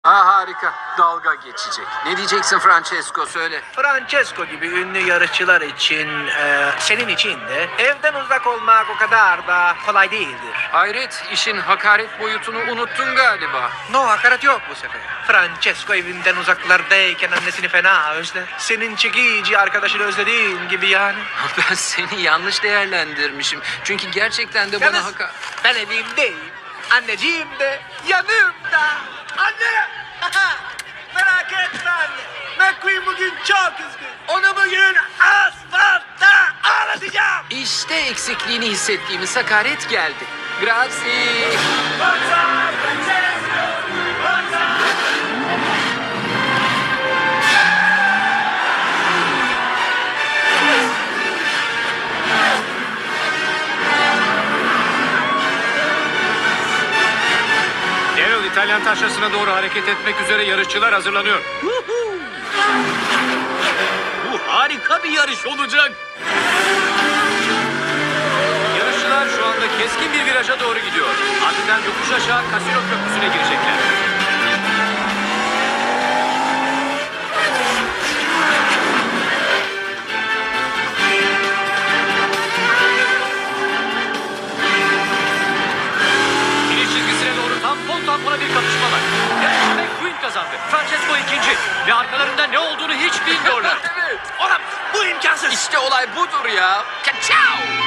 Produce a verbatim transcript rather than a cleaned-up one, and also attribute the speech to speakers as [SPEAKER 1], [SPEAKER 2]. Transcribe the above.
[SPEAKER 1] Ha, harika. Dalga geçecek. Ne diyeceksin Francesco, söyle.
[SPEAKER 2] Francesco gibi ünlü yarışçılar için, e, senin için de evden uzak olmak o kadar da kolay değildir.
[SPEAKER 1] Hayret, işin hakaret boyutunu unuttun galiba.
[SPEAKER 2] No, hakaret yok bu sefer. Francesco evinden uzaklardayken annesini fena özler. Senin çekici arkadaşını özlediğin gibi yani.
[SPEAKER 1] Ben seni yanlış değerlendirmişim. Çünkü gerçekten de bana
[SPEAKER 2] Yalnız
[SPEAKER 1] haka...
[SPEAKER 2] ben evimdeyim. Anneciğim de yanımda. Anne! Merak etme anne. McQueen bugün çok üzgün. Onu bugün asfaltta ağlatacağım.
[SPEAKER 1] İşte eksikliğini hissettiğimiz hakaret geldi. Grazie.
[SPEAKER 3] Daryl İtalyan taşrasına doğru hareket etmek üzere yarışçılar hazırlanıyor. Bu harika bir yarış olacak. Yarışçılar şu anda keskin bir viraja doğru gidiyor. Ardından yokuş aşağı Casino Köprüsü'ne girecekler. Finish çizgisine doğru tampon tampona bir kapışma var. Yarışı McQueen kazandı. Francesco ikinci. Ve arkalarında ne olduğunu hiç bilmiyorlar.
[SPEAKER 1] Evet.
[SPEAKER 2] Olamaz. Bu imkansız.
[SPEAKER 1] İşte olay budur ya. Kaçao!